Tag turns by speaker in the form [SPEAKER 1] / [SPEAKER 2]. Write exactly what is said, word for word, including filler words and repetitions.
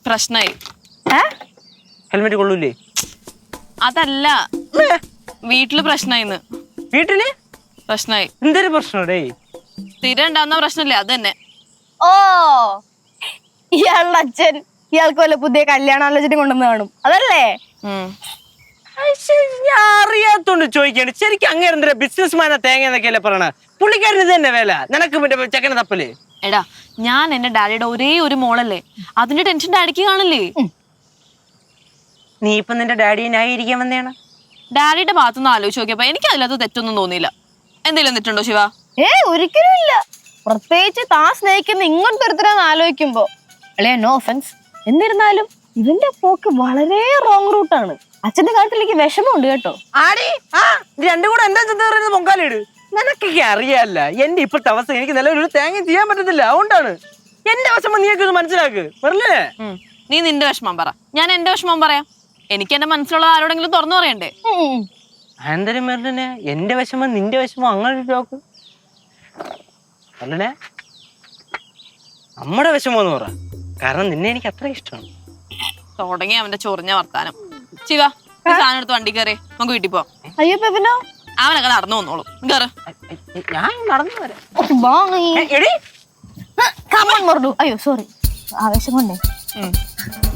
[SPEAKER 1] പ്രശ്നമായി.
[SPEAKER 2] ഹെൽമെറ്റ് കൊള്ളൂലേ?
[SPEAKER 1] അതല്ല, വീട്ടില് പ്രശ്നമായിന്ന്.
[SPEAKER 2] വീട്ടില്
[SPEAKER 1] പ്രശ്നമായി.
[SPEAKER 2] എന്തൊരു പ്രശ്നടേ?
[SPEAKER 1] സ്ഥിരം ഉണ്ടാവുന്ന പ്രശ്നമില്ലേ അത് തന്നെ.
[SPEAKER 3] ഓ, ഇയാളുടെ അച്ഛൻ ഇയാൾക്ക് വല്ല പുതിയ കല്യാണാലോചന കൊണ്ടുവന്ന് കാണും, അതല്ലേ?
[SPEAKER 2] ഞാൻ അറിയാത്തോണ്ട് ചോദിക്കാണ്. ശരിക്കും അങ്ങനെ എന്തൊരു ബിസിനസ് മാനാ തേങ്ങ എന്നൊക്കെയല്ലേ പറയണ? പുള്ളിക്കാരന് ഇത് തന്നെ വേല, നിനക്ക് മറ്റേ ചെക്കനെ തപ്പല്.
[SPEAKER 1] എടാ, ഞാൻ എന്റെ ഡാഡിയുടെ ഒരേ ഒരു മോളല്ലേ, അതിന്റെ ടെൻഷൻ ഡാഡിക്ക് കാണില്ലേ?
[SPEAKER 2] നീ ഇപ്പൊ നിന്റെ ഡാഡിയെ ന്യായീകരിക്കാൻ വന്നേണ്?
[SPEAKER 1] ഡാഡിയുടെ ഭാഗത്തുനിന്ന് ആലോചിച്ച് നോക്കിയപ്പോ എനിക്ക് അതിനകത്ത് തെറ്റൊന്നും തോന്നിയില്ല. എന്തെങ്കിലും തെറ്റുണ്ടോ ശിവ?
[SPEAKER 3] ഏ ഒരിക്കലും ഇല്ല. പ്രത്യേകിച്ച് താൻ സ്നേഹിക്കുന്ന ഇങ്ങോട്ട് ഒരുത്തരാന്ന് ആലോചിക്കുമ്പോ. അല്ലേ, നോ ഒഫൻസ്. എന്നിരുന്നാലും ഇതിന്റെ പോക്ക് വളരെ റോങ് റൂട്ടാണ്. അച്ഛന്റെ കാര്യത്തിലേക്ക് വിഷമമുണ്ട് കേട്ടോ.
[SPEAKER 2] ആടി ആ രണ്ടും കൂടെ എന്താ ചെന്ന് പറയുന്നത്? പൊങ്കാലിട്. നിനക്കൊക്കെ അറിയാല്ല എന്റെ ഇപ്പോഴത്തെ അവസ്ഥ. എനിക്ക് നിലവിലൊരു തേങ്ങ ചെയ്യാൻ പറ്റത്തില്ല. അതുകൊണ്ടാണ് എന്റെ വിഷമം നീയൊക്കെ ഒന്ന് മനസ്സിലാക്ക്. പറഞ്ഞേ,
[SPEAKER 1] നീ നിന്റെ വിഷമം പറ, ഞാൻ എന്റെ വിഷമം പറയാം. എനിക്ക് എന്റെ മനസ്സിലുള്ള ആരോടെങ്കിലും തുറന്നു പറയണ്ടേ?
[SPEAKER 2] ആന്തരം മെറിനെ എന്റെ വിഷമം നിന്റെ വിഷമം അങ്ങനെ നോക്ക്. അല്ലേ, നമ്മുടെ വിഷമം എന്ന് പറ. കാരണം നിന്നെ എനിക്ക് അത്ര ഇഷ്ടമാണ്.
[SPEAKER 1] തുടങ്ങി അവന്റെ ചൊറിഞ്ഞ വർത്താനം. ശിവ, സാധനം എടുത്ത് വണ്ടി കയറി നമുക്ക് വീട്ടിൽ പോവാം.
[SPEAKER 3] അയ്യോ പെപ്പിനോ,
[SPEAKER 1] അവനൊക്കെ നടന്നു വന്നോളൂ. കേറ്.
[SPEAKER 2] ഞാൻ നടന്നു വരാം.
[SPEAKER 3] അയ്യോ സോറി, ആവേശം കൊണ്ടേ.